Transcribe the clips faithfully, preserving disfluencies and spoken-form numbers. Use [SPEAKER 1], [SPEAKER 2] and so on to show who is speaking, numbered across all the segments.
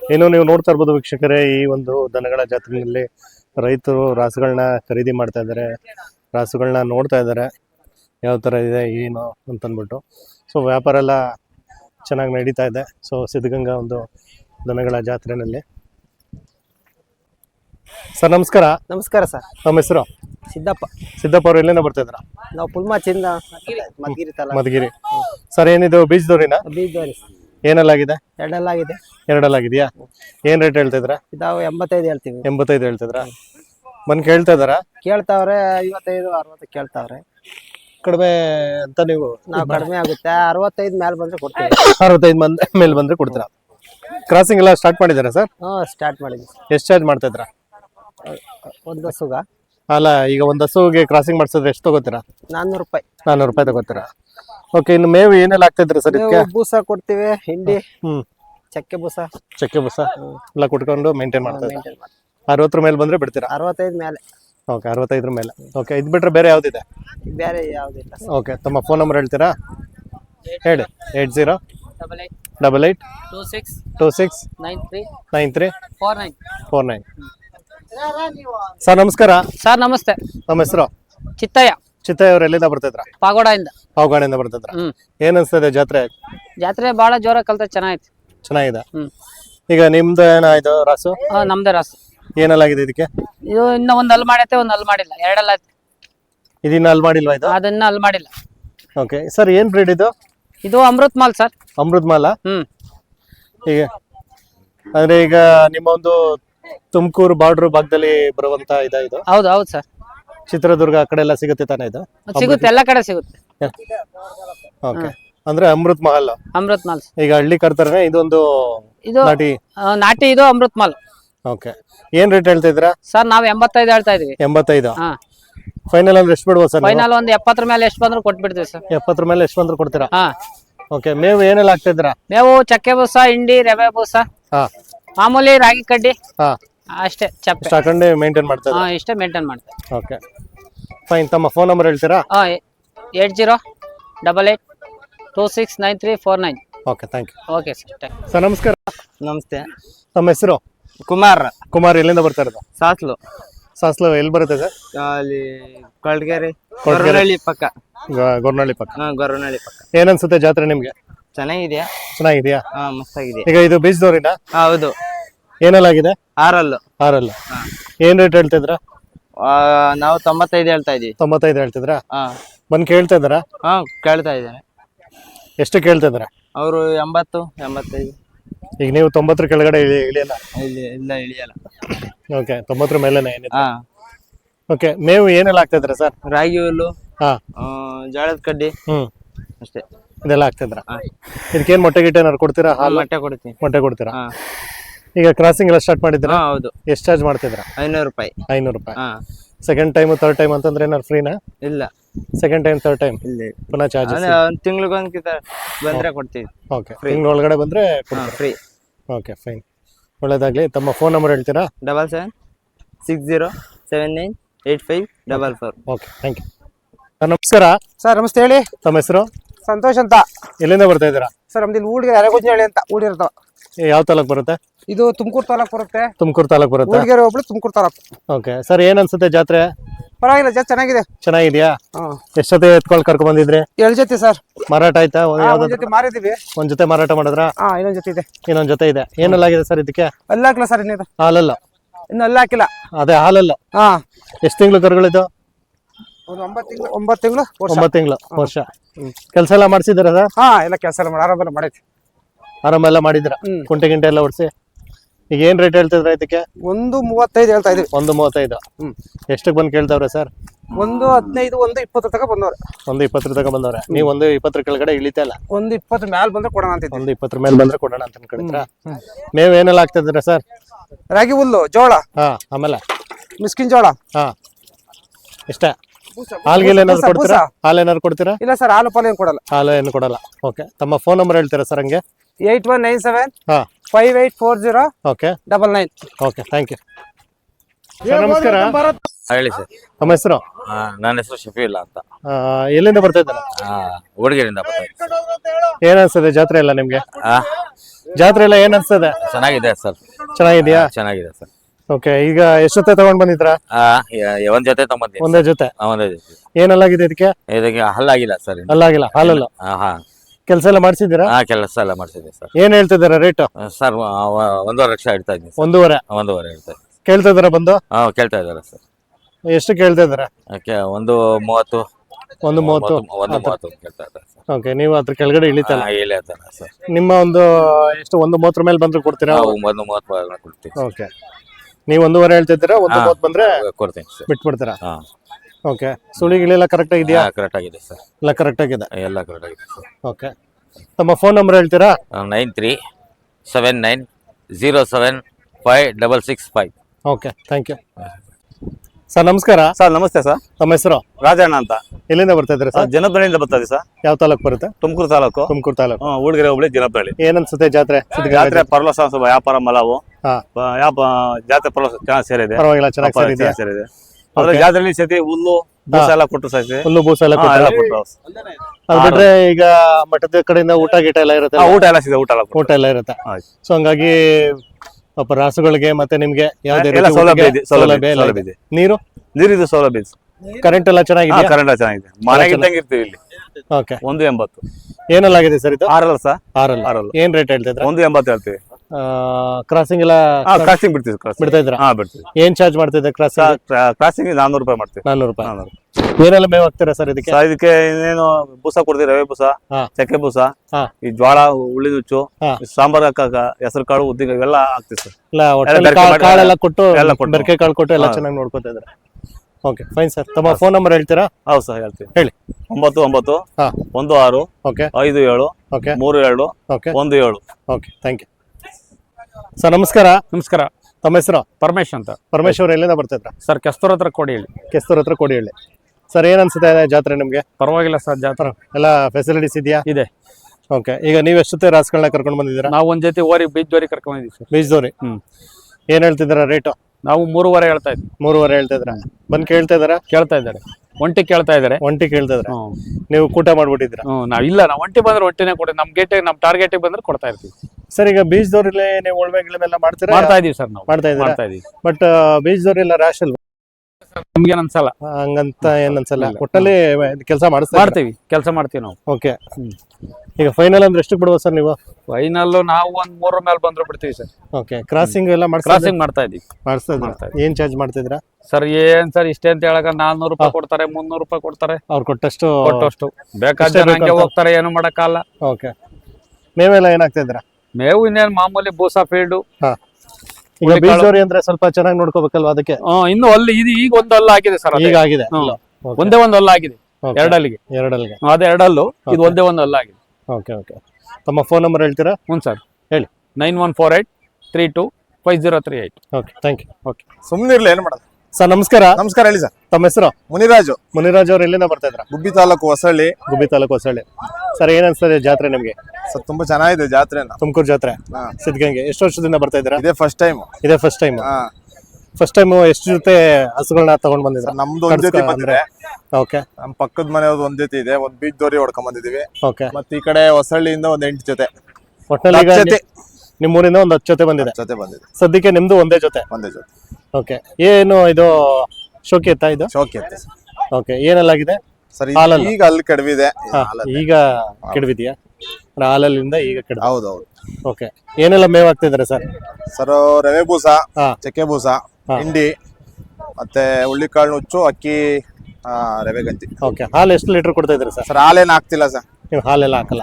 [SPEAKER 1] ಇನ್ನು ನೀವು ನೋಡ್ತಾ ಇರ್ಬೋದು ವೀಕ್ಷಕರೇ, ಈ ಒಂದು ದನಗಳ ಜಾತ್ರೆಯಲ್ಲಿ ರೈತರು ರಾಸುಗಳನ್ನ ಖರೀದಿ ಮಾಡ್ತಾ ಇದ್ದಾರೆ, ರಾಸುಗಳನ್ನ ನೋಡ್ತಾ ಇದ್ದಾರೆ ಯಾವ ಥರ ಇದೆ ಏನು ಅಂತಂದ್ಬಿಟ್ಟು. ಸೊ ವ್ಯಾಪಾರ ಎಲ್ಲ ಚೆನ್ನಾಗಿ ನಡೀತಾ ಇದೆ. ಸೊ ಸಿದ್ಧಗಂಗಾ ಒಂದು ದನಗಳ ಜಾತ್ರೆಯಲ್ಲಿ. ಸರ್ ನಮಸ್ಕಾರ.
[SPEAKER 2] ನಮಸ್ಕಾರ ಸರ್.
[SPEAKER 1] ನಮ್ಮ ಹೆಸರು
[SPEAKER 2] ಸಿದ್ದಪ್ಪ.
[SPEAKER 1] ಸಿದ್ದಪ್ಪ ಅವರು ಎಲ್ಲಿಂದ ಬರ್ತಾ ಇದ್ರ?
[SPEAKER 2] ನಾವು ಪುಲ್ಮಾಚಿಂದ ಮಧುಗಿರಿ ತಾಲೂಕು.
[SPEAKER 1] ಮಧುಗಿರಿ. ಸರ್ ಏನಿದು ಬೀಜದವ್ರಿನ?
[SPEAKER 2] ಬೀಜದವ್ರಿ.
[SPEAKER 1] ಏನಲ್ಲಾಗಿದೆ?
[SPEAKER 2] ಎರಡಲ್ಲಾಗಿದೆ.
[SPEAKER 1] ಎರಡಲ್ಲಾಗಿದೆಯಾ? ಏನ್ ರೇಟ್ ಹೇಳ್ತಾ ಇದ್ರ?
[SPEAKER 2] ಇದಾವೆ ಎಂಬತ್ತೈದು ಹೇಳ್ತೀವಿ.
[SPEAKER 1] ಎಂಬತ್ತೈದು ಹೇಳ್ತಿದ್ರ? ಬಂದು ಕೇಳ್ತಾ ಇದಾರ?
[SPEAKER 2] ಕೇಳ್ತಾವ್ರೆ ಐವತ್ತೈದು ಅರವತ್ತು ಕೇಳ್ತಾವ್ರೆ.
[SPEAKER 1] ಕಡಿಮೆ ಅಂತ ನೀವು?
[SPEAKER 2] ನಾವು ಕಡಿಮೆ ಆಗುತ್ತೆ, ಅರವತ್ತೈದು ಮೇಲೆ ಬಂದ್ರೆ ಕೊಡ್ತೀವಿ.
[SPEAKER 1] ಅರವತ್ತೈದು ಮಂದಿ ಮೇಲೆ ಬಂದ್ರೆ ಕೊಡ್ತೀರಾ? ಕ್ರಾಸಿಂಗ್ ಎಲ್ಲ ಸ್ಟಾರ್ಟ್ ಮಾಡಿದಾರ ಸರ್?
[SPEAKER 2] ಹಾ ಸ್ಟಾರ್ಟ್ ಮಾಡಿದ್ವಿ.
[SPEAKER 1] ಎಷ್ಟು ಚಾರ್ಜ್ ಮಾಡ್ತಾ ಇದ್ರ?
[SPEAKER 2] ಒಂದು ಹಸುಗ
[SPEAKER 1] ಅಲ್ಲ, ಈಗ ಒಂದ್ ಹಸುಗೆ ಕ್ರಾಸಿಂಗ್ ಮಾಡ್ಸಿದ್ರೆ ಎಷ್ಟು ತಗೋತೀರಾ?
[SPEAKER 2] ನಾನ್ನೂರು ರೂಪಾಯಿ.
[SPEAKER 1] ನಾನ್ನೂರು ರೂಪಾಯಿ ತಗೋತೀರಾ? ಓಕೆ. ಇನ್ನು ಮೇವು ಏನೆಲ್ಲ ಆಗ್ತಾ ಇದ್ರಿ ಸರ್ ಇದಕ್ಕೆ?
[SPEAKER 2] ಬೂಸ ಕೊಡ್ತೀವಿ, ಹಿಂಡಿ,
[SPEAKER 1] ಹ್ಮ್,
[SPEAKER 2] ಚಕ್ಕೆ ಬೂಸ,
[SPEAKER 1] ಚಕ್ಕೆ ಬೂಸ ಎಲ್ಲ ಕುಟ್ಕೊಂಡು ಮೇಂಟೈನ್ ಮಾಡ್ತಾ ಇದ್ದೀರಾ?
[SPEAKER 2] ಮೇಂಟೈನ್ ಮಾಡಿ.
[SPEAKER 1] ಅರವತ್ತರ ಮೇಲೆ ಬಂದ್ರೆ ಬಿಡ್ತೀರಾ?
[SPEAKER 2] ಅರವತ್ತೈದು ಮೇಲೆ.
[SPEAKER 1] ಓಕೆ, ಅರವತ್ತೈದರ ಮೇಲೆ. ಓಕೆ, ಇದು ಬಿಟ್ರೆ ಬೇರೆ ಯಾವ್ದಿದೆ?
[SPEAKER 2] ಬೇರೆ ಯಾವುದಿಲ್ಲ.
[SPEAKER 1] ಓಕೆ, ತಮ್ಮ ಫೋನ್ ನಂಬರ್ ಹೇಳ್ತೀರಾ? ಹೇಳಿ. Eight zero
[SPEAKER 2] double eight
[SPEAKER 1] double eight
[SPEAKER 2] two six
[SPEAKER 1] two six
[SPEAKER 2] nine three
[SPEAKER 1] nine three
[SPEAKER 2] four nine
[SPEAKER 1] four nine. Sir ನಮಸ್ಕಾರ.
[SPEAKER 2] ಸರ್ ನಮಸ್ತೆ.
[SPEAKER 1] ನಮ್ಮ ಹೆಸರು
[SPEAKER 2] ಚಿತ್ತಯ್ಯ.
[SPEAKER 1] ಚಿತ್ತಯ್ಯ ಅವ್ರು ಎಲ್ಲಿಂದ ಬರ್ತಿದ್ರ?
[SPEAKER 2] ಪಾಗೋಡದಿಂದ.
[SPEAKER 1] ಪಾವಗಾಡಿಂದ ಬರ್ತಿದ್ರ?
[SPEAKER 2] ಹ್ಮ್.
[SPEAKER 1] ಏನ್ ಅನ್ಸ್ತದೆ ಜಾತ್ರೆ?
[SPEAKER 2] ಜಾತ್ರೆ ಬಹಳ ಜೋರ ಕಲ್ತ ಚೆನ್ನಾಗಿತ್ತು.
[SPEAKER 1] ಚೆನ್ನಾಗಿದೆ.
[SPEAKER 2] ಹ್ಮ್.
[SPEAKER 1] ಈಗ ನಿಮ್ದು ಏನಾಯ್ತು ರಾಸು?
[SPEAKER 2] ಹಾ ನಮ್ದೇ ರಾಸು.
[SPEAKER 1] ಏನೆಲ್ಲಾಗಿದೆ ಇದಕ್ಕೆ?
[SPEAKER 2] ಇದು ಇನ್ನ ಒಂದ್ ಅಲ್ಲಿ ಮಾಡೈತೆ, ಒಂದ್ ಅಲ್ಲಿ ಮಾಡಿಲ್ಲ, ಎರಡಲ್ಲ ಐತೆ.
[SPEAKER 1] ಇದನ್ನ ಅಲ್ಲಿ ಮಾಡಿಲ್ವಾ ಇದು?
[SPEAKER 2] ಅದನ್ನ ಅಲ್ಲಿ ಮಾಡಿಲ್ಲ.
[SPEAKER 1] ಓಕೆ ಸರ್, ಏನ್ ಬ್ರೀಡ್ ಇದು?
[SPEAKER 2] ಇದು ಅಮೃತ್ ಮಾಲ್ ಸರ್.
[SPEAKER 1] ಅಮೃತ್ ಮಾಲ?
[SPEAKER 2] ಹ್ಮ್.
[SPEAKER 1] ಈಗ ಅಂದ್ರೆ ಈಗ ನಿಮ್ಮ ಒಂದು ತುಮಕೂರು ಬಾರ್ಡರ್ ಭಾಗದಲ್ಲಿ ಬರುವಂತ ಇದ ಇದು?
[SPEAKER 2] ಹೌದು ಹೌದು ಸರ್.
[SPEAKER 1] ಚಿತ್ರದುರ್ಗ ಆ ಕಡೆ ಎಲ್ಲ ಸಿಗುತ್ತೆ ತಾನೇ ಇದು?
[SPEAKER 2] ಸಿಗುತ್ತೆ, ಎಲ್ಲ ಕಡೆ ಸಿಗುತ್ತೆ.
[SPEAKER 1] ಓಕೆ, ಅಂದ್ರೆ ಅಮೃತ್ ಮಹಲ್.
[SPEAKER 2] ಅಮೃತ್ ಮಾಲ್.
[SPEAKER 1] ಈಗ ಹಳ್ಳಿ ಕರ್ತಾರೆ ಇದೊಂದು
[SPEAKER 2] ಇದು
[SPEAKER 1] ನಾಟಿ?
[SPEAKER 2] ಆ, ನಾಟಿ ಇದು ಅಮೃತ್ ಮಾಲ್.
[SPEAKER 1] ಓಕೆ, ಏನ್ ರೇಟ್ ಹೇಳ್ತಾ ಇದ್ದೀರಾ?
[SPEAKER 2] ಸರ್ ನಾವ್ ಎಂಬತ್ತೈದು ಹೇಳ್ತಾ ಇದೀವಿ.
[SPEAKER 1] ಎಂಬತ್ತೈದು.
[SPEAKER 2] ಹಾ.
[SPEAKER 1] ಫೈನಲ್ ಅಂದ್ರೆ ಎಷ್ಟು ಬಿಡ್ಬೋದು ಸರ್?
[SPEAKER 2] ಫೈನಲ್ ಒಂದ್ ಎಪ್ಪತ್ತರ ಮೇಲೆ ಎಷ್ಟು ಬಂದ್ರು ಕೊಟ್ಬಿಡ್ತೀವಿ ಸರ್.
[SPEAKER 1] ಎಪ್ಪತ್ತರ ಮೇಲೆ ಎಷ್ಟು ಬಂದ್ರು ಕೊಡ್ತೀರಾ?
[SPEAKER 2] ಹಾ.
[SPEAKER 1] ಓಕೆ, ಮೇವು ಏನೆಲ್ಲ ಆಗ್ತಾ ಇದ್ದೀರಾ?
[SPEAKER 2] ಮೇವು ಚಕ್ಕೆ ಬೂಸ, ಹಿಂಡಿ, ರವೆ ಬೂಸ,
[SPEAKER 1] ಹಾ,
[SPEAKER 2] ಮಾಮೂಲಿ ರಾಗಿ ಕಡ್ಡಿ,
[SPEAKER 1] ಹಾ,
[SPEAKER 2] ಅಷ್ಟೇ. ಚಪ್ಪೆ
[SPEAKER 1] ಸಾಕಂಡು ಮೇಂಟೈನ್ ಮಾಡ್ತಾ
[SPEAKER 2] ಹಾ
[SPEAKER 1] ಇದ್ದೀರಾ?
[SPEAKER 2] ಇಷ್ಟೇ ಮೇಂಟೈನ್ ಮಾಡ್ತೇವೆ.
[SPEAKER 1] Okay fine. ತಮ್ಮ ಫೋನ್ ನಂಬರ್ ಹೇಳ್ತೀರಾ?
[SPEAKER 2] ಹಾ eight zero double eight two six nine three four nine.
[SPEAKER 1] Okay, thank you.
[SPEAKER 2] Okay sir.
[SPEAKER 1] Sir ನಮಸ್ಕಾರ.
[SPEAKER 2] ನಮಸ್ತೆ.
[SPEAKER 1] ತಮ್ಮ ಹೆಸರು?
[SPEAKER 2] ಕುಮಾರ್.
[SPEAKER 1] ಕುಮಾರ್. ಎಲ್ಲಿಂದ ಬರ್ತಾ ಇರೋದು?
[SPEAKER 2] ಸಾಸ್ಲು.
[SPEAKER 1] ಸಾಸ್ಲು ಎಲ್ಲಿ ಬರುತ್ತೆ ಸರ್?
[SPEAKER 2] ಅಲ್ಲಿ ಕೊಳ್ಗೆರೆ,
[SPEAKER 1] ಕೊರಟಗೆರೆ
[SPEAKER 2] ಗೊರವನಹಳ್ಳಿ ಪಕ್ಕ.
[SPEAKER 1] ಗ- ಗೊರ್ನಹಳ್ಳಿ ಪಕ್ಕ.
[SPEAKER 2] ಹಾ ಗೊರವನಹಳ್ಳಿ ಪಕ್ಕ.
[SPEAKER 1] ಏನನ್ಸುತ್ತೆ ಜಾತ್ರೆ ನಿಮ್ಗೆ?
[SPEAKER 2] ಚೆನ್ನಾಗಿದೆಯಾ?
[SPEAKER 1] ಚೆನ್ನಾಗಿದೆಯಾ?
[SPEAKER 2] ಹಾ ಮಸ್ತಾಗಿದೆ.
[SPEAKER 1] ಈಗ ಇದು ಬೀಜದವ್ರಿನ?
[SPEAKER 2] ಹೌದು.
[SPEAKER 1] ಏನೆಲ್ಲಾಗಿದೆ?
[SPEAKER 2] ಆರಲ್ಲು.
[SPEAKER 1] ಆರಲ್ಲ. ಏನ್ ರೇಟ್ ಹೇಳ್ತಿದ್ರ?
[SPEAKER 2] ನಾವು ತೊಂಬತ್ತೈದು ಹೇಳ್ತಾ ಇದೀವಿ.
[SPEAKER 1] ತೊಂಬತ್ತೈದು ಹೇಳ್ತಿದ್ರ?
[SPEAKER 2] ಹಾ.
[SPEAKER 1] ಬಂದ್ ಕೇಳ್ತಾ ಇದಾರ?
[SPEAKER 2] ಹಾ ಕೇಳ್ತಾ ಇದ್ದಾರೆ.
[SPEAKER 1] ಎಷ್ಟು ಕೇಳ್ತಿದ್ರ?
[SPEAKER 2] ಅವರು ಎಂಬತ್ತು ಎಂಬತ್ತೈದು.
[SPEAKER 1] ಈಗ ನೀವು ತೊಂಬತ್ತರ ಕೆಳಗಡೆ ಇಳಿ- ಇಳಿಯಲ್ಲ?
[SPEAKER 2] ಇಲ್ಲಿ ಇಲ್ಲ ಇಳಿಯಲ್ಲ.
[SPEAKER 1] ಓಕೆ, ತೊಂಬತ್ತರ ಮೇಲೆನೆ ಏನಿದೆ?
[SPEAKER 2] ಹಾ.
[SPEAKER 1] ಓಕೆ, ಮೇವು ಏನೆಲ್ಲ ಆಗ್ತಿದ್ರ ಸರ್?
[SPEAKER 2] ರಾಗಿ ಹುಲ್ಲು,
[SPEAKER 1] ಹಾ,
[SPEAKER 2] ಜೋಳದ ಕಡ್ಡಿ,
[SPEAKER 1] ಹ್ಮ್,
[SPEAKER 2] ಅಷ್ಟೇ.
[SPEAKER 1] ಇದೆಲ್ಲ ಆಗ್ತಿದ್ರ?
[SPEAKER 2] ಹಾ.
[SPEAKER 1] ಇದಕ್ಕೇನ್ ಮೊಟ್ಟೆ ಗಿಟ್ಟೆ ಏನಾರು ಕೊಡ್ತೀರಾ? ಹಾಲು
[SPEAKER 2] ಮೊಟ್ಟೆ ಕೊಡ್ತೀನಿ.
[SPEAKER 1] ಮೊಟ್ಟೆ ಕೊಡ್ತೀರಾ?
[SPEAKER 2] ಹಾ.
[SPEAKER 1] ಈಗ ಕ್ರಾಸಿಂಗ್ ಎಲ್ಲ ಸ್ಟಾರ್ಟ್ ಮಾಡಿದ್ರ?
[SPEAKER 2] ಹಾ ಹೌದು.
[SPEAKER 1] ಎಷ್ಟು ಚಾರ್ಜ್ ಮಾಡ್ತಿದ್ರ?
[SPEAKER 2] ಐನೂರು ರೂಪಾಯಿ.
[SPEAKER 1] ಐನೂರು ರೂಪಾಯಿ.
[SPEAKER 2] ಹಾ.
[SPEAKER 1] ಸೆಕೆಂಡ್ ಟೈಮ್ ಥರ್ಡ್ ಟೈಮ್ ಅಂತಂದ್ರೆ ಏನಾರು ಫ್ರೀನಾ?
[SPEAKER 2] ಇಲ್ಲ.
[SPEAKER 1] ಸೆಕೆಂಡ್ ಟೈಮ್ ಥರ್ಡ್ ಟೈಮ್
[SPEAKER 2] ಇಲ್ಲಿ
[SPEAKER 1] ಪುನಃ ಚಾರ್ಜಸ್?
[SPEAKER 2] ಒಂದ್ ತಿಂಗ್ಳಿಗೊಂದ್ಕಿತ ಬಂದ್ರೆ ಕೊಡ್ತೀವಿ.
[SPEAKER 1] ಓಕೆ, ತಿಂಗಳ ಒಳಗಡೆ ಬಂದ್ರೆ
[SPEAKER 2] ಫ್ರೀ.
[SPEAKER 1] ಓಕೆ ಫೈನ್, ಒಳ್ಳೇದಾಗ್ಲಿ. ತಮ್ಮ ಫೋನ್ ನಂಬರ್ ಹೇಳ್ತೀರಾ?
[SPEAKER 2] Double seven six zero seven nine eight five double four.
[SPEAKER 1] Okay, thank you. Sir ನಮಸ್ಕಾರ.
[SPEAKER 3] ಸರ್ ನಮಸ್ತೆ. ಹೇಳಿ.
[SPEAKER 1] ತಮ್ಮ ಹೆಸರು?
[SPEAKER 3] ಸಂತೋಷ್ ಅಂತ.
[SPEAKER 1] ಎಲ್ಲಿಂದ ಬರ್ತಾ ಇದ್ದೀರಾ?
[SPEAKER 3] ಸರ್ ನಮ್ದು ಇಲ್ಲಿ ಊಡಿಗೆ ಅರಗುಂಜನಹಳ್ಳಿ ಅಂತ ಊಡಿರ್ತಾವ.
[SPEAKER 1] ಯಾವ ತಾಲೂಕ್ ಬರುತ್ತೆ?
[SPEAKER 3] ಇದು ತುಮಕೂರು ತಾಲೂಕು ಬರುತ್ತೆ.
[SPEAKER 1] ತುಮಕೂರು ತಾಲೂಕ್ ಬರುತ್ತೆ.
[SPEAKER 3] ಊಡಿಗೆರೆ ಒಬ್ಳು ತುಮಕೂರು ತಾಲೂಕು.
[SPEAKER 1] ಓಕೆ ಸರ್, ಏನ್ ಅನ್ಸುತ್ತೆ ಜಾತ್ರೆ?
[SPEAKER 3] ಪರವಾಗಿಲ್ಲ, ಜಾಸ್ತಿ ಚೆನ್ನಾಗಿದೆ.
[SPEAKER 1] ಚೆನ್ನಾಗಿದ್ಯಾ? ಎಷ್ಟೊತ್ತೆ ಎತ್ಕೊಳ್ ಕರ್ಕೊಂಡ್ ಬಂದಿದ್ರಿ?
[SPEAKER 3] ಏಳು ಜೊತೆ ಸರ್.
[SPEAKER 1] ಮಾರಾಟ ಆಯ್ತಾ? ಒಂದ್
[SPEAKER 3] ಒಂದ್
[SPEAKER 1] ಯಾವ್ದಾದ್ರು
[SPEAKER 3] ಜೊತೆ ಮಾರಿದೀವಿ.
[SPEAKER 1] ಒಂದ್ ಜೊತೆ ಮಾರಾಟ ಮಾಡಿದ್ರ?
[SPEAKER 3] ಹಾ ಇನ್ನೊಂದ್ ಜೊತೆ ಇದೆ.
[SPEAKER 1] ಇನ್ನೊಂದ್ ಜೊತೆ ಇದೆ. ಏನೆಲ್ಲಾಗಿದೆ ಸರ್ ಇದಕ್ಕೆ?
[SPEAKER 3] ಅಲ್ಲ ಹಾಕಿಲ್ಲ ಸರ್, ಇನ್ನಿದು
[SPEAKER 1] ಹಾಲಲ್ಲ?
[SPEAKER 3] ಇನ್ನು ಅಲ್ಲ ಹಾಕಿಲ್ಲ.
[SPEAKER 1] ಅದೇ ಹಾಲಲ್ಲ.
[SPEAKER 3] ಹಾ.
[SPEAKER 1] ಎಷ್ಟ್ ತಿಂಗಳು ಕರುಗಳಿದ್ದು?
[SPEAKER 3] ಒಂದು ಒಂಬತ್ತು ತಿಂಗಳು. ಒಂಬತ್ತು ತಿಂಗಳು
[SPEAKER 1] ಒಂಬತ್ತು ತಿಂಗಳು ವರ್ಷ. ಕೆಲಸ ಎಲ್ಲ ಮಾಡ್ಸಿದಾರ ಸರ್?
[SPEAKER 3] ಹಾ ಎಲ್ಲ ಕೆಲಸ ಎಲ್ಲ ಮಾಡಿ ಆರಾಮೆಲ್ಲ ಮಾಡೈತಿ.
[SPEAKER 1] ಆರಾಮೆಲ್ಲ ಮಾಡಿದ್ರ? ಕುಂಟೆ ಗಿಂಟೆ ಎಲ್ಲ ಹೊಡ್ಸಿ. ಈಗ ಏನ್ ರೇಟ್ ಹೇಳ್ತಿದ್ರ ಇದಕ್ಕೆ?
[SPEAKER 3] ಒಂದು ಮೂವತ್ತೈದು ಹೇಳ್ತಾ ಇದೀವಿ.
[SPEAKER 1] ಒಂದು ಮೂವತ್ತೈದು.
[SPEAKER 3] ಹ್ಮ್.
[SPEAKER 1] ಎಷ್ಟಕ್ಕೆ ಬಂದು ಕೇಳ್ತಾವ್ರೆ ಸರ್?
[SPEAKER 3] ಒಂದು ಹದಿನೈದು, ಒಂದು ಇಪ್ಪತ್ತು ತನಕ ಬಂದವ್ರೆ.
[SPEAKER 1] ಒಂದು ಇಪ್ಪತ್ತರ ತನಕ ಬಂದವ್ರೆ. ನೀವು ಒಂದು ಇಪ್ಪತ್ತರ ಕೆಳಗಡೆ ಇಳಿತಾ ಇಲ್ಲ?
[SPEAKER 3] ಒಂದು ಇಪ್ಪತ್ತು ಮ್ಯಾಲ್ ಬಂದ್ರೆ ಕೊಡೋಣ ಅಂತಿದ್ವಿ.
[SPEAKER 1] ಒಂದು ಇಪ್ಪತ್ತರ ಮೇಲೆ ಬಂದ್ರೆ ಕೊಡೋಣ ಅಂತ ಅನ್ಕೊಂಡಿದ್ರ? ಮೇವ್ ಏನೆಲ್ಲ ಆಗ್ತಿದ್ರ ಸರ್?
[SPEAKER 3] ರಾಗಿ ಹುಲ್ಲು, ಜೋಳ.
[SPEAKER 1] ಹಾ, ಆಮೇಲೆ
[SPEAKER 3] ಮಿಸ್ಕಿನ್ ಜೋಳ.
[SPEAKER 1] ಹಾ, ಇಷ್ಟ. ಹಾಲ್ಗೆಲ್ಲ ಏನಾದ್ರು ಕೊಡ್ತೀರಾ? ಹಾಲು ಏನಾದ್ರು ಕೊಡ್ತೀರಾ?
[SPEAKER 3] ಇಲ್ಲ ಸರ್, ಹಾಲು ಪಾಲು ಏನು ಕೊಡಲ್ಲ.
[SPEAKER 1] ಹಾಲು ಏನು ಕೊಡಲ್ಲ. ಓಕೆ, ತಮ್ಮ ಫೋನ್ ನಂಬರ್ ಹೇಳ್ತೀರಾ ಸರ್ ಹಂಗೆ?
[SPEAKER 3] ಏಟ್ ಒನ್ ನೈನ್ ಸೆವೆನ್
[SPEAKER 1] ಹಾ
[SPEAKER 3] five eight four zero
[SPEAKER 1] okay
[SPEAKER 3] double nine.
[SPEAKER 1] Okay, thank you. ನಮಸ್ಕಾರ.
[SPEAKER 4] ಹೇಳಿ ಸರ್.
[SPEAKER 1] ತಮ್ಮ ಹೆಸರು?
[SPEAKER 4] ನನ್ನ ಹೆಸರು ಶಫೀಲ್ಲ ಅಂತ.
[SPEAKER 1] ಆ, ಎಲ್ಲಿಂದ ಬರ್ತಾ ಇದ್ದಾರೆ?
[SPEAKER 4] ಹುಡುಗಿರಿಂದ ಬರ್ತಾ
[SPEAKER 1] ಏನ್ ಅನ್ಸ್ತದೆ ಜಾತ್ರೆ ಎಲ್ಲ ನಿಮ್ಗೆ?
[SPEAKER 4] ಆ
[SPEAKER 1] ಜಾತ್ರೆ ಎಲ್ಲ ಏನ್ ಅನ್ಸ್ತದೆ?
[SPEAKER 4] ಚೆನ್ನಾಗಿದೆ ಸರ್.
[SPEAKER 1] ಚೆನ್ನಾಗಿದ್ಯಾ?
[SPEAKER 4] ಚೆನ್ನಾಗಿದೆ ಸರ್.
[SPEAKER 1] ಓಕೆ, ಈಗ ಎಷ್ಟೊತ್ತೆ ತಗೊಂಡ್ ಬಂದಿದ್ರ?
[SPEAKER 4] ಆ ಯ- ಒಂದ್ ಜೊತೆ ತಗೊಂಬಂದಿನಿ.
[SPEAKER 1] ಒಂದೇ ಜೊತೆ.
[SPEAKER 4] ಆ, ಒಂದೇ ಜೊತೆ.
[SPEAKER 1] ಏನಲ್ಲಾಗಿದೆ ಇದಕ್ಕೆ?
[SPEAKER 4] ಇದಕ್ಕೆ ಹಲ್ಲಾಗಿಲ್ಲ ಸರ್ ಇನ್ನು.
[SPEAKER 1] ಅಲ್ಲಾಗಿಲ್ಲ, ಹಾಲಲ್ಲ.
[SPEAKER 4] ಆ, ಹಾ
[SPEAKER 1] ಕೆಲಸ ಎಲ್ಲ ಮಾಡ್ಸಿದ್ದೀರಾ?
[SPEAKER 4] ಹಾ ಕೆಲಸ ಎಲ್ಲ ಮಾಡ್ಸಿದ್ದೆ ಸರ್.
[SPEAKER 1] ಏನ್ ಹೇಳ್ತಿದ್ದೀರಾ ರೇಟ್?
[SPEAKER 4] ಆ, ಸರ್ ಆ, ವ- ಒಂದೂವರೆ ಲಕ್ಷ ಇಡ್ತಾ ಇದ್ದೀನಿ ಸರ್.
[SPEAKER 1] ಒಂದೂವರೆ
[SPEAKER 4] ಒಂದೂವರೆ ಇಡ್ತಾ ಇದ್ದೀನಿ.
[SPEAKER 1] ಕೇಳ್ತಾ ಇದಾರ ಬಂದು?
[SPEAKER 4] ಹಾ ಕೇಳ್ತಾ ಇದ್ದಾರೆ ಸರ್.
[SPEAKER 1] ಎಷ್ಟು ಕೇಳ್ತಾ ಇದಾರೆ?
[SPEAKER 4] ಓಕೆ, ಒಂದು ಮೂವತ್ತು
[SPEAKER 1] ಒಂದು ಮೂವತ್ತು.
[SPEAKER 4] ಒಂದು ಮೂವತ್ತು ಕೇಳ್ತಾ ಇದ್ದಾರೆ ಸರ್.
[SPEAKER 1] ಓಕೆ, ನೀವು ಅದ್ರ ಕೆಳಗಡೆ ಇಳಿತಲ್ಲ.
[SPEAKER 4] ಹಾ, ಹೇಳಿ ಇರ್ತಾರೆ ಸರ್.
[SPEAKER 1] ನಿಮ್ಮ ಒಂದು ಎಷ್ಟು ಒಂದು ಮೂವತ್ತರ ಮೇಲೆ ಬಂದ್ರೆ ಕೊಡ್ತೀರಾ?
[SPEAKER 4] ನಾವು ಒಂದು ಮೂವತ್ತು ರೂಪಾಯಿ ಕೊಡ್ತೀವಿ ಸರ್.
[SPEAKER 1] ಓಕೆ, ನೀವು ಒಂದೂವರೆ ಹೇಳ್ತಿದ್ದೀರಾ, ಒಂದು
[SPEAKER 4] ಹಾ.
[SPEAKER 1] ಮೂವತ್ತು ಬಂದ್ರೆ
[SPEAKER 4] ಕೊಡ್ತೀನಿ ಸರ್.
[SPEAKER 1] ಬಿಟ್ಬಿಡ್ತೀರಾ?
[SPEAKER 4] ಹಾ
[SPEAKER 1] ಓಕೆ, ಸುಳಿಗಳೆಲ್ಲ ಕರೆಕ್ಟ್ ಆಗಿದೆಯಾ?
[SPEAKER 4] ಕರೆಕ್ಟ್ ಆಗಿದೆ ಸರ್.
[SPEAKER 1] ಎಲ್ಲ ಕರೆಕ್ಟ್ ಆಗಿದೆ.
[SPEAKER 4] ಎಲ್ಲ ಕರೆಕ್ಟ್ ಆಗಿದೆ ಸರ್.
[SPEAKER 1] ಓಕೆ, ತಮ್ಮ ಫೋನ್ ನಂಬರ್ ಹೇಳ್ತೀರಾ?
[SPEAKER 4] Nine three seven nine zero seven five double six five.
[SPEAKER 1] Okay, thank you sir. ನಮಸ್ಕಾರ
[SPEAKER 5] ಸರ್. ನಮಸ್ತೆ ಸರ್.
[SPEAKER 1] ತಮ್ಮ ಹೆಸರು?
[SPEAKER 5] ರಾಜಣ್ಣ ಅಂತ.
[SPEAKER 1] ಎಲ್ಲಿಂದ ಬರ್ತಾ ಇದ್ದೀರಾ ಸರ್?
[SPEAKER 5] ಜನಪ್ರಣಿಯಿಂದ ಬರ್ತಾ ಇದೆ ಸರ್.
[SPEAKER 1] ಯಾವ ತಾಲೂಕು ಬರುತ್ತೆ?
[SPEAKER 5] ತುಮಕೂರು ತಾಲೂಕು,
[SPEAKER 1] ತುಮಕೂರು ತಾಲೂಕು.
[SPEAKER 5] ಹ್ಮ್, ಊಳಿಗೆರೆ ಹೋಬಳಿ, ಜನಪ್ರಹಳ್ಳಿ.
[SPEAKER 1] ಏನ್ ಅನ್ಸುತ್ತೆ ಜಾತ್ರೆ? ಸಿದ್ಧಗಂಗಾ
[SPEAKER 5] ಜಾತ್ರೆ ಪರಲೋಸ ಸ್ವಲ್ಪ ವ್ಯಾಪಾರ ಮಲಾವು
[SPEAKER 1] ಹಾ,
[SPEAKER 5] ಪ- ಯಾಪ ಜಾತ್ರೆ ಪರಲೋಸ ಚೆನ್ನಾಗಿ ಸೇರಿದೆ.
[SPEAKER 1] ಪರವಾಗಿಲ್ಲ, ಚೆನ್ನಾಗಿ
[SPEAKER 5] ವ್ಯಾಪಾರ
[SPEAKER 1] ಸೇರಿದೆಯಾ?
[SPEAKER 5] ಚೆನ್ನಾಗಿ ಸೇರಿದೆ. ಅದ್ರ ಜಾತ್ರೆಯಲ್ಲಿ ಸತಿ ಹುಲ್ಲು ಬೂಸ ಎಲ್ಲ ಕೊಟ್ಟು ಸಹಿಸಿ
[SPEAKER 1] ಹುಲ್ಲು ಬೂಸ ಎಲ್ಲ
[SPEAKER 5] ಹಾ, ಎಲ್ಲ
[SPEAKER 1] ಕೊಟ್ರಾ?
[SPEAKER 5] ಕೊಟ್ಟು
[SPEAKER 1] ಅದ್ ಬಿಟ್ರೆ ಈಗ ಮಠದ ಕಡೆಯಿಂದ ಊಟ ಗೀಟ ಎಲ್ಲ ಇರುತ್ತೆ?
[SPEAKER 5] ಹಾ, ಊಟ ಎಲ್ಲ ಸಿಗಿದೆ. ಊಟ ಎಲ್ಲ ಕೊಟ್ಟು.
[SPEAKER 1] ಊಟ ಎಲ್ಲ ಇರುತ್ತೆ.
[SPEAKER 5] ಆಯ್ತು.
[SPEAKER 1] ಸೊ ಹಂಗಾಗಿ ಪಾಪ ರಾಸುಗಳಿಗೆ ಮತ್ತೆ ನಿಮ್ಗೆ ಯಾವ್ದೇ
[SPEAKER 5] ಎಲ್ಲ
[SPEAKER 1] ರೀತಿ
[SPEAKER 5] ಸೌಲಭ್ಯ
[SPEAKER 1] ಊಟಕ್ಕೆ
[SPEAKER 5] ಇದೆ, ಸೌಲಭ್ಯ
[SPEAKER 1] ಸೌಲಭ್ಯ ಎಲ್ಲ
[SPEAKER 5] ಸೌಲಭ್ಯ
[SPEAKER 1] ಇದೆ.
[SPEAKER 5] ಇದೆ.
[SPEAKER 1] ನೀರು
[SPEAKER 5] ನೀರಿದು ಸೌಲಭ್ಯ ಇದೆ.
[SPEAKER 1] ಕರೆಂಟ್ ಎಲ್ಲ
[SPEAKER 5] ಹಾ,
[SPEAKER 1] ಚೆನ್ನಾಗಿದೆಯಾ?
[SPEAKER 5] ಕರೆಂಟ್ ಎಲ್ಲ ಚೆನ್ನಾಗಿದೆ. ಮನೆಗಿದ್ದಂಗೆ ಇರ್ತೀವಿ ಇಲ್ಲಿ.
[SPEAKER 1] ಓಕೆ,
[SPEAKER 5] ಒಂದು ಎಂಬತ್ತು
[SPEAKER 1] ಏನಲ್ಲಾಗಿದೆ ಸರ್ ಇದು?
[SPEAKER 5] ಆರಲ್ಲ ಸರ್.
[SPEAKER 1] ಆರಲ್ಲ.
[SPEAKER 5] ಆರಲ್ಲ.
[SPEAKER 1] ಏನ್ ರೇಟ್ ಹೇಳ್ತಿದ್ರ?
[SPEAKER 5] ಒಂದು ಎಂಬತ್ತು ಹೇಳ್ತೀವಿ.
[SPEAKER 1] ಕ್ರಾಸಿಂಗ್ ಎಲ್ಲ
[SPEAKER 5] ಹಾ, ಕ್ರಾಸಿಂಗ್ ಬಿಡ್ತೀವಿ. ಕ್ರಾಸಿಂಗ್
[SPEAKER 1] ಬಿಡ್ತಾ ಇದ್ರ?
[SPEAKER 5] ಹಾ, ಬಿಡ್ತೀವಿ.
[SPEAKER 1] ಏನ್ ಚಾರ್ಜ್ ಮಾಡ್ತಿದ್ದೆ ಕ್ರಾಸಿಂಗ್?
[SPEAKER 5] ಕ್ರಾಸಿಂಗ್ ನಾನ್ನೂರು ರೂಪಾಯಿ ಮಾಡ್ತೀವಿ.
[SPEAKER 1] ನಾನ್ನೂರು ರೂಪಾಯಿ.
[SPEAKER 5] ನಾನ್ನೂರು.
[SPEAKER 1] ಏನೆಲ್ಲ ಮೇವ್ ಹಾಕ್ತೀರಾ ಸರ್ ಇದಕ್ಕೆ?
[SPEAKER 5] ಸರ್, ಇದಕ್ಕೆ ಇನ್ನೇನು ಬೂಸ ಕೊಡ್ತೀವಿ. ರವೆ ಬೂಸ,
[SPEAKER 1] ಹಾ.
[SPEAKER 5] ಚಕ್ಕೆ ಬೂಸ,
[SPEAKER 1] ಹಾ.
[SPEAKER 5] ಈ ಜ್ವಾಳ, ಉಳ್ಳಿ ನುಚ್ಚು,
[SPEAKER 1] ಹಾ.
[SPEAKER 5] ಸಾಂಬಾರ್ ಹಾಕಾಕ ಹೆಸರು ಕಾಳು, ಉದ್ದಿನ ಇವೆಲ್ಲ ಹಾಕ್ತಿವಿ ಸರ್.
[SPEAKER 1] ಇಲ್ಲ, ಒಟ್ಟಲ್ಲಿ
[SPEAKER 5] ಬೆರಕೆ
[SPEAKER 1] ಕಾಳ್-
[SPEAKER 5] ಮಾಡಿ-
[SPEAKER 1] ಕಾಳೆಲ್ಲ ಕೊಟ್ಟು
[SPEAKER 5] ಎಲ್ಲ ಕೊಟ್ಟು.
[SPEAKER 1] ಬೆರಕೆ ಕಾಳು ಕೊಟ್ಟು ಎಲ್ಲ
[SPEAKER 5] ಹಾ.
[SPEAKER 1] ಚೆನ್ನಾಗಿ ನೋಡ್ಕೊತಾ ಇದ್ದಾರೆ. Okay, fine sir. ತಮ್ಮ ಫೋನ್ ನಂಬರ್ ಹೇಳ್ತೀರಾ?
[SPEAKER 5] ಹೌದು ಸರ್, ಹೇಳ್ತೀವಿ.
[SPEAKER 1] ಹೇಳಿ.
[SPEAKER 5] ಒಂಬತ್ತು ಒಂಬತ್ತು
[SPEAKER 1] ಹಾ.
[SPEAKER 5] ಒಂದು ಆರು
[SPEAKER 1] ಓಕೆ,
[SPEAKER 5] ಐದು ಏಳು
[SPEAKER 1] ಓಕೆ,
[SPEAKER 5] ಮೂರು ಎರಡು
[SPEAKER 1] ಓಕೆ,
[SPEAKER 5] ಒಂದು ಏಳು.
[SPEAKER 1] Okay, thank you sir. ನಮಸ್ಕಾರ.
[SPEAKER 6] ನಮಸ್ಕಾರ.
[SPEAKER 1] ತಮ್ಮ ಹೆಸರು?
[SPEAKER 6] ಪರಮೇಶ್ ಅಂತ
[SPEAKER 1] ಪರಮೇಶ್ವರ್. ಎಲ್ಲಿಂದ ಬರ್ತಾ ಇದ್ರ?
[SPEAKER 6] ಸರ್. ಕೆಸ್ತೂರ್ ಹತ್ರ ಕೊಡಿ ಹೇಳಿ.
[SPEAKER 1] ಕೆಸ್ತೂರ್ ಹತ್ರ ಕೊಡಿಹಳ್ಳಿ. ಸರ್, ಏನ್ ಅನ್ಸುತ್ತೆ ಜಾತ್ರೆ ನಿಮ್ಗೆ?
[SPEAKER 6] ಪರವಾಗಿಲ್ಲ ಸರ್, ಜಾತ್ರೆ
[SPEAKER 1] ಎಲ್ಲ ಫೆಸಿಲಿಟೀಸ್ ಇದೆಯಾ?
[SPEAKER 6] ಇದೆ.
[SPEAKER 1] ಓಕೆ, ಈಗ ನೀವು ಎಷ್ಟೊತ್ತೆ ರಾಸುಗಳನ್ನ ಕರ್ಕೊಂಡು ಬಂದಿದ್ದೀರಾ?
[SPEAKER 6] ನಾವು ಒಂದ್ ಜೊತೆ ಓರಿ ಬೀಜ್ ಕರ್ಕೊಂಡಿದ್ದೀವಿ ಸರ್.
[SPEAKER 1] ಬೀಜದವ್ರಿ.
[SPEAKER 6] ಹ್ಮ್.
[SPEAKER 1] ಏನ್ ಹೇಳ್ತಿದ್ದೀರಾ ರೇಟು?
[SPEAKER 6] ನಾವು ಮೂರುವರೆ ಹೇಳ್ತಾ ಇದ್ವಿ.
[SPEAKER 1] ಮೂರುವರೆ ಹೇಳ್ತಾ ಇದ್ರ? ಬಂದ್ ಕೇಳ್ತಾ ಇದಾರ?
[SPEAKER 6] ಕೇಳ್ತಾ ಇದ್ದಾರೆ. ಒಂಟಿ ಕೇಳ್ತಾ ಇದ್ದಾರೆ.
[SPEAKER 1] ಒಂಟಿ ಕೇಳ್ತಾ ಇದ್ರ?
[SPEAKER 6] ಹ್ಮ್.
[SPEAKER 1] ನೀವು ಕೂಟ ಮಾಡ್ಬಿಟ್ಟಿದ್ರ?
[SPEAKER 6] ಹ್ಮ್. ನಾವ್ ಇಲ್ಲ, ನಾವು ಒಂಟಿ ಬಂದ್ರೆ ಒಂಟಿನೇ ಕೊಡಿ. ನಮ್ ಗೇಟ್ ನಮ್ ಟಾರ್ಗೆಟ್ ಬಂದ್ರೆ ಕೊಡ್ತಾ ಇರ್ತೀವಿ
[SPEAKER 1] ಸರ್. ಈಗ ಬೀಜದವ್ರಲ್ಲಿ ನೀವು ಉಳ್ಮೆ ಗಿಳ್ಮೆಲ್ಲ ಮಾಡ್ತೀರಾ?
[SPEAKER 6] ಮಾಡ್ತಾ ಇದೀವಿ ಸರ್. ನಾವು
[SPEAKER 1] ಮಾಡ್ತಾ ಇದ್ದೀರಾ?
[SPEAKER 6] ಮಾಡ್ತಾ ಇದೀವಿ.
[SPEAKER 1] ಬಟ್ ಬೀಜದವ್ರೆಲ್ಲ ರ್ಯಾಶ್ ಅಲ್ವಾ?
[SPEAKER 6] ನಮ್ಗೆ ಅನ್ಸಲ್ಲ.
[SPEAKER 1] ಹಂಗಂತ ಏನ್ ಅನ್ಸಲ್ಲ.
[SPEAKER 6] ಇಲ್ಲ.
[SPEAKER 1] ಒಟ್ಟಲ್ಲಿ ಕೆಲಸ ಮಾಡಿಸ್ತಾ
[SPEAKER 6] ಮಾಡ್ತೀವಿ, ಕೆಲಸ ಮಾಡ್ತೀವಿ ನಾವು.
[SPEAKER 1] ಓಕೆ. ಈಗ ಫೈನಲ್ ಅಂದ್ರೆ ಎಷ್ಟು ಬಿಡ್ಬೋದು ಸರ್ ನೀವು?
[SPEAKER 6] ಫೈನಲ್ ನಾವು ಒಂದ್ ಮೂರ ಮೇಲೆ ಬಂದ್ರು ಬಿಡ್ತೀವಿ ಸರ್.
[SPEAKER 1] ಓಕೆ, ಕ್ರಾಸಿಂಗ್ ಎಲ್ಲ
[SPEAKER 6] ಕ್ರಾಸಿಂಗ್ ಮಾಡ್ತಾ ಇದೀವಿ.
[SPEAKER 1] ಮಾಡಿಸ್ತಾ
[SPEAKER 6] ಮಾಡ್ತಾ
[SPEAKER 1] ಇದ್ದೀರಾ? ಏನ್ ಚಾರ್ಜ್ ಮಾಡ್ತಿದ್ರಾ
[SPEAKER 6] ಸರ್? ಏನ್ ಸರ್ ಇಷ್ಟೇ ಅಂತ ಹೇಳಕ ನಾನ್ನೂರು ರೂಪಾಯಿ ಕೊಡ್ತಾರೆ, ಮುನ್ನೂರು ರೂಪಾಯಿ ಕೊಡ್ತಾರೆ.
[SPEAKER 1] ಅವ್ರು ಕೊಟ್ಟಷ್ಟು?
[SPEAKER 6] ಕೊಟ್ಟಷ್ಟು ಬೇಕಾದ
[SPEAKER 1] ಇಷ್ಟೇ
[SPEAKER 6] ಜನ ಹಂಗೆ
[SPEAKER 1] ಬೇಕಂತ?
[SPEAKER 6] ಹೋಗ್ತಾರೆ, ಏನು ಮಾಡಕ್ಕಾಗಲ್ಲ.
[SPEAKER 1] ಓಕೆ, ಮೇವೆಲ್ಲ ಏನಾಗ್ತಾ ಇದ್ರ?
[SPEAKER 6] ಮೇವು ಇನ್ನೇನ್ ಮಾಮೂಲಿ ಬೂಸಾ ಫೀಲ್ಡು.
[SPEAKER 1] ಹಾ. ಈಗ
[SPEAKER 6] ಹುಳ್ಳಿ ಕಾಳು.
[SPEAKER 1] ಬೀಜದವ್ರಿ ಅಂದ್ರೆ ಸ್ವಲ್ಪ ಚೆನ್ನಾಗಿ ನೋಡ್ಕೋಬೇಕಲ್ವಾ ಅದಕ್ಕೆ?
[SPEAKER 6] ಇನ್ನು ಅಲ್ಲಿ ಇದು ಈಗ ಒಂದು ಹಲ್ಲು ಆಗಿದೆ ಸರ್. ಅದೇ.
[SPEAKER 1] ಈಗ ಆಗಿದೆ.
[SPEAKER 6] ಹ್ಮ್.
[SPEAKER 1] Okay.
[SPEAKER 6] ಒಂದೇ ಒಂದು ಹಲ್ಲು ಆಗಿದೆ.
[SPEAKER 1] Okay.
[SPEAKER 6] ಎರಡಲ್ಲಿಗೆ
[SPEAKER 1] ಎರಡಲ್ಲಿಗೆ.
[SPEAKER 6] ಅದೇ ಎರಡಲ್ಲು. ಇದು
[SPEAKER 1] Okay.
[SPEAKER 6] ಒಂದೇ ಒಂದು ಹಲ್ಲು ಆಗಿದೆ.
[SPEAKER 1] Okay, okay. ತಮ್ಮ ಫೋನ್ ನಂಬರ್ ಹೇಳ್ತೀರಾ?
[SPEAKER 6] ಹ್ಞೂ ಸರ್,
[SPEAKER 1] ಹೇಳಿ.
[SPEAKER 6] Nine one four eight three two five zero three eight.
[SPEAKER 1] Okay, thank you.
[SPEAKER 6] Okay.
[SPEAKER 3] ಸುಮ್ನಿರ್ಲಿ, ಏನ್ ಮಾಡೋದು.
[SPEAKER 1] ಸರ್, ನಮಸ್ಕಾರ.
[SPEAKER 3] ನಮಸ್ಕಾರ. ಹೇಳಿ ಸರ್.
[SPEAKER 1] ತಮ್ಮ ಹೆಸರು?
[SPEAKER 3] ಮುನಿರಾಜು,
[SPEAKER 1] ಮುನಿರಾಜ್ ಅವ್ರು. ಎಲ್ಲಿಂದ ಬರ್ತಾ ಇದ್ರ?
[SPEAKER 3] ಗುಬ್ಬಿ ತಾಲೂಕು, ಹೊಸಳ್ಳಿ.
[SPEAKER 1] ಗುಬ್ಬಿ ತಾಲೂಕು, ಹೊಸಳ್ಳಿ. ಸರ್, ಏನ್ ಅನ್ಸ್ತದೆ ಜಾತ್ರೆ ನಿಮ್ಗೆ?
[SPEAKER 3] ಸರ್, ತುಂಬಾ ಚೆನ್ನಾಗಿದೆ ಜಾತ್ರೆನ.
[SPEAKER 1] ತುಮಕೂರು ಜಾತ್ರೆ
[SPEAKER 3] ಹಾ.
[SPEAKER 1] ಸಿದ್ಧಗಂಗೆ ಎಷ್ಟು ವರ್ಷದಿಂದ ಬರ್ತಾ ಇದ್ದೀರಾ?
[SPEAKER 3] ಇದೇ ಫಸ್ಟ್ ಟೈಮ್.
[SPEAKER 1] ಇದೇ ಫಸ್ಟ್ ಟೈಮ್.
[SPEAKER 3] ಹಾ.
[SPEAKER 1] ಫಸ್ಟ್ ಟೈಮ್ ಎಷ್ಟು ಜೊತೆ ಹಸುಗಳನ್ನ ತಗೊಂಡ್ ಬಂದಿದ್ರ?
[SPEAKER 3] ಸರ್, ನಮ್ದು ಒಂದ್ ಜೊತೆ ಬಂದಿದೆ.
[SPEAKER 1] ಓಕೆ,
[SPEAKER 3] ನಮ್ ಪಕ್ಕದ ಮನೆಯವ್ರದ್ದು ಒಂದ್ ಜೊತೆ ಇದೆ. ಒಂದ್ ಬೀಚ್ ದೋರಿ ಹೊಡ್ಕೊಂಡ್ ಬಂದಿದೀವಿ.
[SPEAKER 1] ಓಕೆ.
[SPEAKER 3] ಮತ್ತೆ ಈ ಕಡೆ ಹೊಸಳ್ಳಿಯಿಂದ ಒಂದ್ ಎಂಟು ಜೊತೆ.
[SPEAKER 1] ಒಟ್ನಲ್ಲಿ ಈಗ
[SPEAKER 3] ಹತ್ತು ಜೊತೆ.
[SPEAKER 1] ನಿಮ್ಮ ಊರಿಂದ ಒಂದು ಹತ್ತು ಜೊತೆ ಬಂದಿದೆ.
[SPEAKER 3] ಜೊತೆ ಬಂದಿದೆ.
[SPEAKER 1] ಸದ್ಯಕ್ಕೆ ನಿಮ್ದು ಒಂದೇ ಜೊತೆ?
[SPEAKER 3] ಒಂದೇ ಜೊತೆ.
[SPEAKER 1] ಓಕೆ. ಏನು ಇದು ಶೋಕಿ ಎತ್ತಾ ಇದು?
[SPEAKER 3] ಶೋಕಿ ಐತೆ ಸರ್.
[SPEAKER 1] ಓಕೆ. ಏನೆಲ್ಲಾಗಿದೆ
[SPEAKER 3] ಸರ್?
[SPEAKER 1] ಹಾಲಲ್ಲ?
[SPEAKER 3] ಈಗ ಅಲ್ಲಿ ಕೆಡವಿದೆ.
[SPEAKER 1] ಹಾ, ಈಗ ಕೆಡವಿದ್ಯಾ? ಹಾಲಲ್ಲಿಂದ ಈಗ ಕೆಡ.
[SPEAKER 3] ಹೌದೌದು.
[SPEAKER 1] ಓಕೆ. ಏನೆಲ್ಲ ಮೇವ್ ಹಾಕ್ತಿದ್ದಾರೆ ಸರ್?
[SPEAKER 3] ಸರ್, ರವೆ ಬೂಸ,
[SPEAKER 1] ಹಾ.
[SPEAKER 3] ಚಕ್ಕೆ ಬೂಸ,
[SPEAKER 1] ಹಾ.
[SPEAKER 3] ಹಿಂಡಿ, ಮತ್ತೆ ಹುಳ್ಳಿಕಾಳು ನುಚ್ಚು, ಅಕ್ಕಿ, ಆ, ರವೆ ಗಂಜಿ.
[SPEAKER 1] ಓಕೆ. ಹಾಲು ಎಷ್ಟು ಲೀಟರ್ ಕೊಡ್ತಾ ಇದ್ರಿ ಸರ್?
[SPEAKER 3] ಸರ್, ಹಾಲೇನ್ ಆಗ್ತಿಲ್ಲ ಸರ್.
[SPEAKER 1] ನೀವು ಹಾಲೆಲ್ಲ ಹಾಕಲ್ಲ?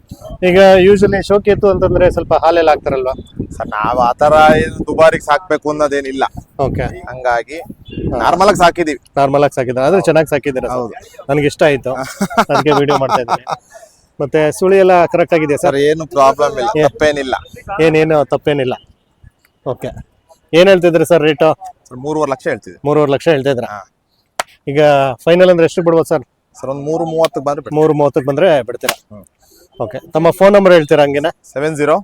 [SPEAKER 1] ಈಗ ಯೂಶಲಿ ಶೋಕಿ ಎತ್ತು ಅಂತಂದ್ರೆ ಸ್ವಲ್ಪ ಹಾಲೆಲ್ಲ ಹಾಕ್ತಾರಲ್ವಾ?
[SPEAKER 3] ಸರ್, ನಾವ್ ಆತರ ಏನು ದುಬಾರಿಗೆ ಸಾಕ್ಬೇಕು ಅನ್ನೋದೇನಿಲ್ಲ.
[SPEAKER 1] ಓಕೆ.
[SPEAKER 3] ಹಂಗಾಗಿ ನಾರ್ಮಲ್ ಆಗಿ ಸಾಕಿದೀವಿ.
[SPEAKER 1] ನಾರ್ಮಲ್ ಆಗಿ ಸಾಕಿದ್ರೆ ಆದ್ರೆ ಚೆನ್ನಾಗಿ ಸಾಕಿದ್ದೀರಾ?
[SPEAKER 3] ಹೌದು.
[SPEAKER 1] ನನಗೆ ಇಷ್ಟ ಆಯ್ತು, ಅದಕ್ಕೆ ವಿಡಿಯೋ ಮಾಡ್ತಾ ಇದ್ದೀನಿ. ಮತ್ತೆ ಸುಳಿ ಎಲ್ಲ ಕರೆಕ್ಟ್ ಆಗಿದೆ
[SPEAKER 3] ಸರ್, ಏನು ಪ್ರಾಬ್ಲಮ್ ಇಲ್ಲ, ತಪ್ಪೇನಿಲ್ಲ.
[SPEAKER 1] ಏನೇನು ತಪ್ಪೇನಿಲ್ಲ. ಓಕೆ. ಏನ್ ಹೇಳ್ತಿದ್ರಿ ಸರ್ ರೇಟು?
[SPEAKER 3] ಸರ್, ಮೂರುವರೆ ಲಕ್ಷ ಹೇಳ್ತಿದ್ವಿ.
[SPEAKER 1] ಮೂರುವರೆ ಲಕ್ಷ ಹೇಳ್ತಿದ್ರ? ಈಗ ಫೈನಲ್ ಅಂದ್ರೆ ಎಷ್ಟು ಬಿಡ್ಬೋದು ಸರ್?
[SPEAKER 3] ಸರ್, ಒಂದ್ ಮೂರು ಮೂವತ್ತಕ್ಕೆ ಬಂದ್ರೆ ಬಿಡ್ತೀವಿ.
[SPEAKER 1] ಮೂರು ಮೂವತ್ತಕ್ಕೆ ಬಂದ್ರೆ ಬಿಡ್ತೀರಾ? ಓಕೆ. ತಮ್ಮ ಫೋನ್ ನಂಬರ್ ಹೇಳ್ತೀರಾ ಹಂಗೇನಾ?
[SPEAKER 3] Seven zero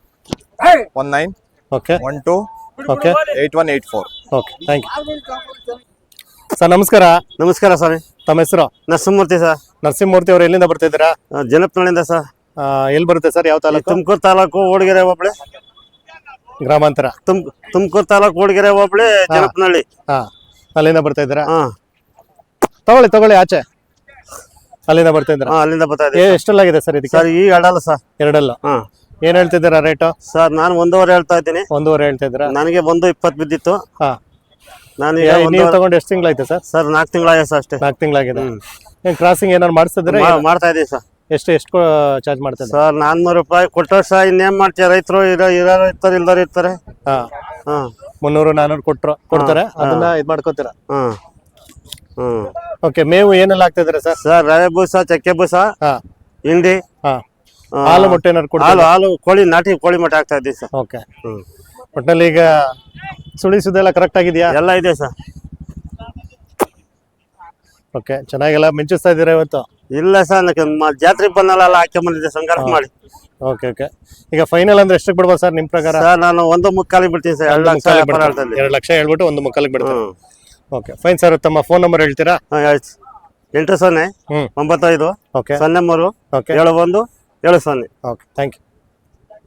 [SPEAKER 3] one nine
[SPEAKER 1] okay
[SPEAKER 3] one two
[SPEAKER 1] okay
[SPEAKER 3] eight one eight four.
[SPEAKER 1] Okay, thank you. Sir ನಮಸ್ಕಾರ.
[SPEAKER 7] ನಮಸ್ಕಾರ ಸ್ವಾಮಿ.
[SPEAKER 1] ತಮ್ಮ ಹೆಸರು?
[SPEAKER 7] ನರಸಿಂಹಮೂರ್ತಿ ಸರ್.
[SPEAKER 1] ನರಸಿಂಹಮೂರ್ತಿ ಅವರು ಎಲ್ಲಿಂದ ಬರ್ತಾ ಇದ್ದೀರಾ?
[SPEAKER 7] ಜನಪ್ನಳ್ಳಿಯಿಂದ ಸರ್.
[SPEAKER 1] ಆ, ಎಲ್ಲಿ ಬರುತ್ತೆ ಸರ್? ಯಾವ ತಾಲೂಕು?
[SPEAKER 7] ತುಮಕೂರು ತಾಲೂಕು ಓಡಗೆರೆ ಹೋಬಳಿ.
[SPEAKER 1] ಗ್ರಾಮಾಂತರ.
[SPEAKER 7] ತುಮ್ ತುಮಕೂರು ತಾಲೂಕು ಓಡಗೆರೆ ಹೋಬಳಿ ಜನಪ್ನಳ್ಳಿ.
[SPEAKER 1] ಹಾ, ಅಲ್ಲಿಂದ ಬರ್ತಾ ಇದ್ದೀರಾ?
[SPEAKER 7] ಹಾ
[SPEAKER 1] ತಗೊಳ್ಳಿ ತಗೊಳ್ಳಿ ಆಚೆ. ಅಲ್ಲಿಂದ ಬರ್ತಾ ಇದ್ದೀರಾ?
[SPEAKER 7] ಹಾ ಅಲ್ಲಿಂದ ಬರ್ತಾ
[SPEAKER 1] ಏ,
[SPEAKER 7] ಇದ್ದೀವಿ
[SPEAKER 1] ಎಷ್ಟಲ್ಲಾಗಿದೆ ಸರ್ ಇದಕ್ಕೆ?
[SPEAKER 7] ಸರ್. ಈಗ ಅಡಲ್ಲ ಸರ್.
[SPEAKER 1] ಎರಡಲ್ಲ.
[SPEAKER 7] ಹಾ
[SPEAKER 1] ಏನ್ ಹೇಳ್ತಿದ್ದೀರಾ ರೇಟು?
[SPEAKER 7] ಸರ್ ನಾನು ಒಂದೂವರೆ ಹೇಳ್ತಾ ಇದ್ದೀನಿ.
[SPEAKER 1] ಒಂದೂವರೆ ಹೇಳ್ತಾ ಇದ್ದೀರಾ?
[SPEAKER 7] ನನಗೆ ಒಂದು ಇಪ್ಪತ್ತು ಬಿದ್ದಿತ್ತು.
[SPEAKER 1] ಹಾ,
[SPEAKER 7] ನಾನು
[SPEAKER 1] ಏ, ನೀವು ತಗೊಂಡು ಎಷ್ಟು ತಿಂಗಳಾಯ್ತು ಸರ್?
[SPEAKER 7] ಸರ್ ನಾಲ್ಕು ತಿಂಗಳಾಗ ಸರ್ ಅಷ್ಟೇ.
[SPEAKER 1] ನಾಲ್ಕು ತಿಂಗಳಾಗಿದೆ. ಏನ್ ಕ್ರಾಸಿಂಗ್ ಏನಾರು ಮಾಡಿಸ್ತಿದ್ರೆ?
[SPEAKER 7] ಮಾ- ಮಾಡ್ತಾ ಇದ್ದೀವಿ ಸರ್.
[SPEAKER 1] ಎಷ್ಟು ಎಷ್ಟು ಚಾರ್ಜ್ ಮಾಡ್ತಾ ಇದ್ದಾರೆ?
[SPEAKER 7] ಸರ್ ನಾನ್ನೂರು ರೂಪಾಯಿ ಕೊಟ್ಟರೆ ಸರ್ ಇನ್ನೇನ್ ಮಾಡ್ತೀಯ, ರೈತರು ಇರೋ ಇರೋರು ಇರ್ತಾರೆ, ಇಲ್ದವ್ರು ಇರ್ತಾರೆ.
[SPEAKER 1] ಹಾ,
[SPEAKER 7] ಹಾ
[SPEAKER 1] ಮುನ್ನೂರು ನಾನೂರು ಕೊಟ್ರು ಕೊಡ್ತಾರೆ, ಅದನ್ನ ಇದ್ ಮಾಡ್ಕೋತೀರಾ?
[SPEAKER 7] ಹಾ ಹ್ಮ್
[SPEAKER 1] ಓಕೆ. ಮೇವು ಏನೆಲ್ಲ ಆಗ್ತಾ ಇದಾರೆ ಸರ್?
[SPEAKER 7] ಸರ್ ರವೆ ಬೂಸ, ಚಕ್ಕೆ ಬೂಸ,
[SPEAKER 1] ಹಾ
[SPEAKER 7] ಹಿಂಡಿ,
[SPEAKER 1] ಹಾ,
[SPEAKER 7] ಆ,
[SPEAKER 1] ಹಾಲು ಮೊಟ್ಟೆ ಏನಾರು
[SPEAKER 7] ಹಾಲು
[SPEAKER 1] ಕೊಡ್ತಾರೆ?
[SPEAKER 7] ಹಾಲು ಕೋಳಿ, ನಾಟಿ ಕೋಳಿ ಮೊಟ್ಟೆ ಹಾಕ್ತಾ ಇದ್ದೀವಿ ಸರ್.
[SPEAKER 1] ಓಕೆ.
[SPEAKER 7] ಹ್ಮ್
[SPEAKER 1] ಒಟ್ನಲ್ಲಿ ಈಗ ಸುಳಿಸುದೆಲ್ಲ ಕರೆಕ್ಟ್ ಆಗಿದೆಯಾ?
[SPEAKER 7] ಎಲ್ಲ ಇದೆ ಸರ್.
[SPEAKER 1] ಓಕೆ, ಚೆನ್ನಾಗೆಲ್ಲ ಮಿಂಚಿಸ್ತಾ ಇದ್ದೀರಾ ಇವತ್ತು?
[SPEAKER 7] ಇಲ್ಲ ಸರ್, ಜಾತ್ರೆಗೆ ಬಂದಲ್ಲ ಹಾಕಿ ಬಂದಿದ್ದೆ ಸಂಗಾರ ಮಾಡಿ.
[SPEAKER 1] Okay okay. ಈಗ ಫೈನಲ್ ಅಂದ್ರೆ ಎಷ್ಟಕ್ಕೆ ಬಿಡ್ಬೋದು ಸರ್ ನಿಮ್ ಪ್ರಕಾರ?
[SPEAKER 7] ಸರ್ ನಾನು ಒಂದು ಮುಕ್ಕಾಲಿಗೆ ಬಿಡ್ತೀನಿ ಸರ್. ಎರಡು
[SPEAKER 1] ಒಂದು
[SPEAKER 7] ಲಕ್ಷ
[SPEAKER 1] ಮುಕ್ಕಾಲಿಗೆ
[SPEAKER 7] ವ್ಯಾಪಾರ
[SPEAKER 1] ಬಿಡ್ತಾರೆ.
[SPEAKER 7] ಹೇಳ್ತಾ
[SPEAKER 1] ಎರಡು ಲಕ್ಷ ಹೇಳ್ಬಿಟ್ಟು ಒಂದು ಮುಕ್ಕಾಲಿಗೆ ಬಿಡ್ತಾರೆ.
[SPEAKER 7] Hmm
[SPEAKER 1] okay fine sir. ತಮ್ಮ ಫೋನ್ ನಂಬರ್ ಹೇಳ್ತೀರಾ?
[SPEAKER 7] ಹಾಂ ಆಯ್ತು. ಎಂಟು ಸೊನ್ನೆ
[SPEAKER 1] ಹ್ಮ್
[SPEAKER 7] ಒಂಬತ್ತೈದು
[SPEAKER 1] ಓಕೆ
[SPEAKER 7] ಸೊನ್ನೆ ಮೂರು
[SPEAKER 1] ಓಕೆ
[SPEAKER 7] ಏಳು ಒಂದು ಏಳು ಸೊನ್ನೆ.
[SPEAKER 1] Okay thank you.